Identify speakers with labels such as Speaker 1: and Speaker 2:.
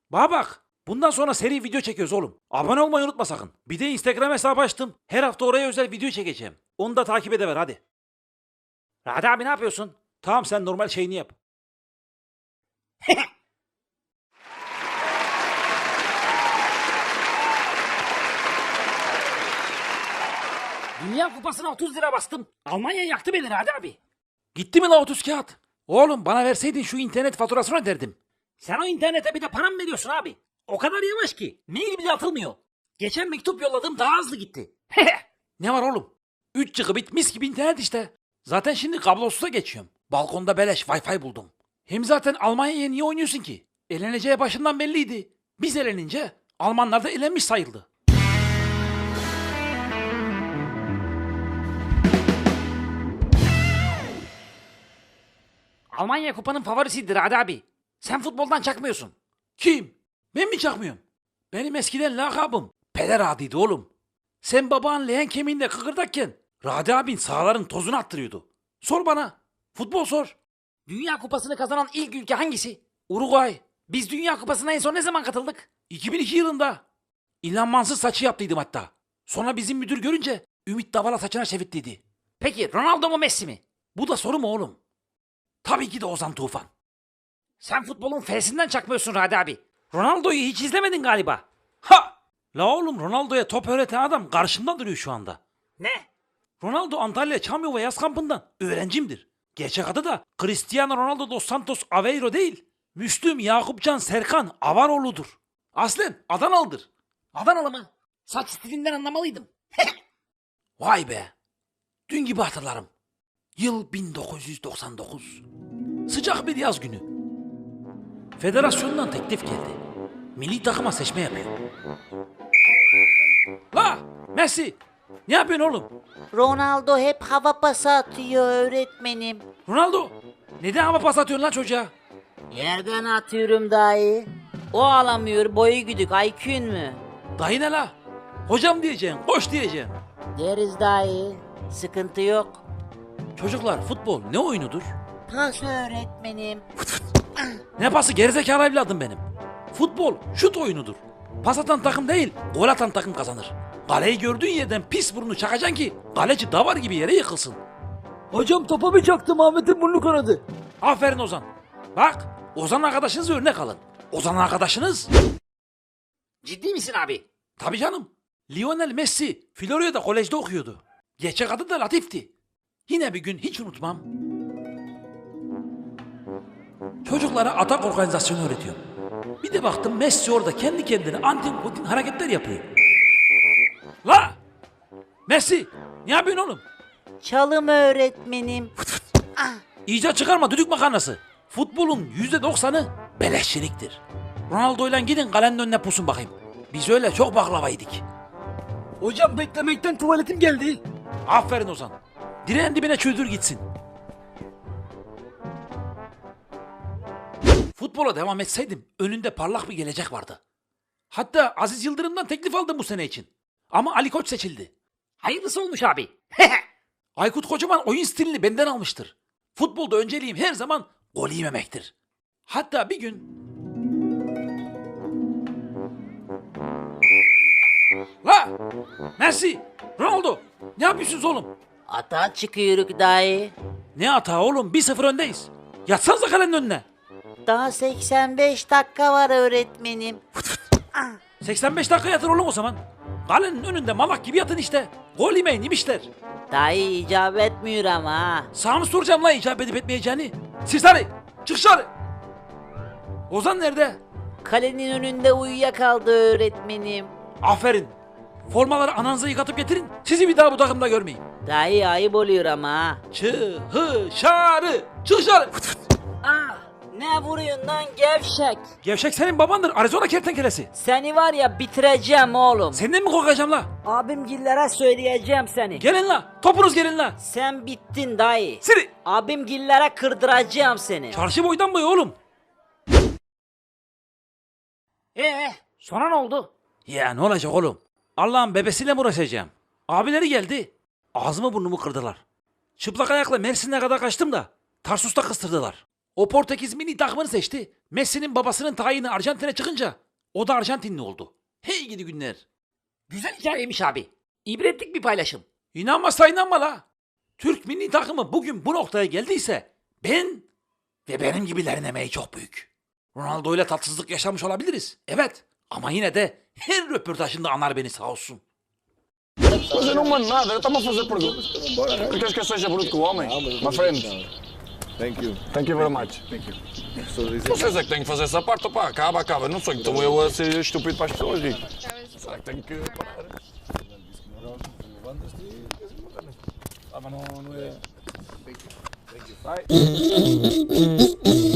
Speaker 1: Bana bak. Bundan sonra seri video çekiyoruz oğlum. Abone olmayı unutma sakın. Bir de Instagram hesabı açtım. Her hafta oraya özel video çekeceğim. Onu da takip edever hadi. Radi abi ne yapıyorsun? Tamam sen normal şeyini yap. Dünya Kupası'na 30 lira bastım. Almanya yaktı beni Radi abi. Gitti mi la 30 kağıt? Oğlum bana verseydin şu internet faturasını öderdim. Sen o internete bir de para mı veriyorsun abi? O kadar yavaş ki. Mail bile atılmıyor. Geçen mektup yolladım daha hızlı gitti. Ne var oğlum? 3 gigabit mis gibi internet işte. Zaten şimdi kablosuza geçiyorum. Balkonda beleş Wi-Fi buldum. Hem zaten Almanya'ya niye oynuyorsun ki? Eleneceği başından belliydi. Biz elenince Almanlar da elenmiş sayıldı. Almanya kupanın favorisidir Hadi abi. Sen futboldan çakmıyorsun. Kim? Ben mi çakmıyorum? Benim eskiden lakabım Peder Adi'ydi oğlum. Sen babanın leğen kemiğinde kıkırdakken Radi abin sahaların tozunu attırıyordu. Sor bana. Futbol sor. Dünya kupasını kazanan ilk ülke hangisi? Uruguay. Biz Dünya Kupası'na en son ne zaman katıldık? 2002 yılında. İlhan Mansız saçı yaptıydım hatta. Sonra bizim müdür görünce Ümit Davala saçına çevirttiydi. Peki Ronaldo mu Messi mi? Bu da soru mu oğlum? Tabii ki de Ozan Tufan. Sen futbolun F'sinden çakmıyorsun Radi abi. Ronaldo'yu hiç izlemedin galiba. Ha! La oğlum Ronaldo'ya top öğreten adam karşımda duruyor şu anda. Ne? Ronaldo Antalya Çamyova yaz kampından öğrencimdir. Gerçek adı da Cristiano Ronaldo dos Santos Aveiro değil. Müslüm Yakupcan Serkan Avaroğlu'dur. Aslen Adanalıdır. Adanalı mı? Saç stilinden anlamalıydım. Vay be. Dün gibi hatırlarım. Yıl 1999. Sıcak bir yaz günü. Federasyondan teklif geldi. Milli takıma seçme yapıyor. La Messi! Ne yapıyorsun oğlum?
Speaker 2: Ronaldo hep hava pası atıyor öğretmenim.
Speaker 1: Ronaldo! Neden hava pas atıyorsun lan çocuğa?
Speaker 2: Yerden atıyorum dayı. O alamıyor boyu güdük IQ'un mu?
Speaker 1: Dayı ne la? Hocam diyeceksin, koş diyeceksin.
Speaker 2: Deriz dayı. Sıkıntı yok.
Speaker 1: Çocuklar futbol ne oyunudur?
Speaker 2: Pas öğretmenim.
Speaker 1: Ne pası gerizekalı evladım benim. Futbol şut oyunudur. Pas atan takım değil, gol atan takım kazanır. Kaleyi gördüğün yerden pis burnu çakacaksın ki kaleci davar gibi yere yıkılsın.
Speaker 3: Hocam topa bir çaktım Ahmet'in burnu kanadı.
Speaker 1: Aferin Ozan. Bak Ozan arkadaşınız örnek alın. Ozan arkadaşınız... Ciddi misin abi? Tabii canım. Lionel Messi Florya'da kolejde okuyordu. Gerçek adı da Latif'ti. Yine bir gün hiç unutmam. Çocuklara atak organizasyonu öğretiyor. Bir de baktım Messi orada kendi kendine antin kutin hareketler yapıyor. La! Messi! Ne yapıyorsun oğlum?
Speaker 2: Çalım öğretmenim.
Speaker 1: İcat çıkarma düdük makarnası. Futbolun %90'ı beleşçiliktir. Ronaldo'yla gidin kalenin önüne pusun bakayım. Biz öyle çok baklava yedik.
Speaker 3: Hocam beklemekten tuvaletim geldi.
Speaker 1: Aferin Ozan. Direğin dibine çöldür gitsin. Futbola devam etseydim önünde parlak bir gelecek vardı. Hatta Aziz Yıldırım'dan teklif aldım bu sene için. Ama Ali Koç seçildi. Hayırlısı olmuş abi. Aykut Kocaman oyun stilini benden almıştır. Futbolda önceliğim her zaman gol yememektir. Hatta bir gün... La! Messi! Ronaldo! Ne yapıyorsunuz oğlum?
Speaker 2: Ata çıkıyoruz dayı.
Speaker 1: Ne hata oğlum? 1-0 öndeyiz. Yatsanıza kalenin önüne.
Speaker 2: Daha 85 dakika var öğretmenim.
Speaker 1: 85 dakika yatır oğlum o zaman. Kalenin önünde malak gibi yatın işte. Gol yemeyin yemişler.
Speaker 2: Dayı icap etmiyor ama ha.
Speaker 1: Sana mı soracağım lan icap edip etmeyeceğini? Sirsari! Çık dışarı! Ozan nerede?
Speaker 2: Kalenin önünde uyuyakaldı öğretmenim.
Speaker 1: Aferin. Formaları ananıza yıkatıp getirin. Sizi bir daha bu takımda görmeyeyim.
Speaker 2: Dayı ayıp oluyor ama ha.
Speaker 1: Dışarı! Çık dışarı!
Speaker 2: Ah, ne vuruyorsun lan gevşek?
Speaker 1: Gevşek senin babandır. Arizona kertenkelesi.
Speaker 2: Seni var ya bitireceğim oğlum.
Speaker 1: Senden mi korkacağım la?
Speaker 2: Abimgillere söyleyeceğim seni.
Speaker 1: Gelin la. Topunuz gelin la.
Speaker 2: Sen bittin dayı.
Speaker 1: Siri.
Speaker 2: Abimgillere kırdıracağım seni.
Speaker 1: Çarşı boydan boya oğlum. Sonra ne oldu? Ya ne olacak oğlum? Allah'ın bebesiyle mi uğraşacağım? Abileri geldi. Ağzımı burnumu kırdılar. Çıplak ayakla Mersin'e kadar kaçtım da Tarsus'ta kıstırdılar. O Portekiz milli takımını seçti. Messi'nin babasının tayini Arjantin'e çıkınca o da Arjantinli oldu. Hey gidi günler. Güzel hikayeymiş abi. İbretlik bir paylaşım. İnanmazsa inanma la. Türk milli takımı bugün bu noktaya geldiyse ben ve benim gibilerin emeği çok büyük. Ronaldo ile tatsızlık yaşamış olabiliriz. Evet. Ama yine de her röportajında anar beni sağ olsun.
Speaker 4: Mas eu não mando nada, eu estava a fazer perguntas. Tu queres que eu seja bruto com o homem? My friend.
Speaker 5: Thank you.
Speaker 4: Thank you very much. Vocês é que têm que fazer essa parte, pá, acaba. Não sou que estou eu a ser estúpido para as pessoas, Rico. Será que tenho que parar? Ah, mas não é... Vai.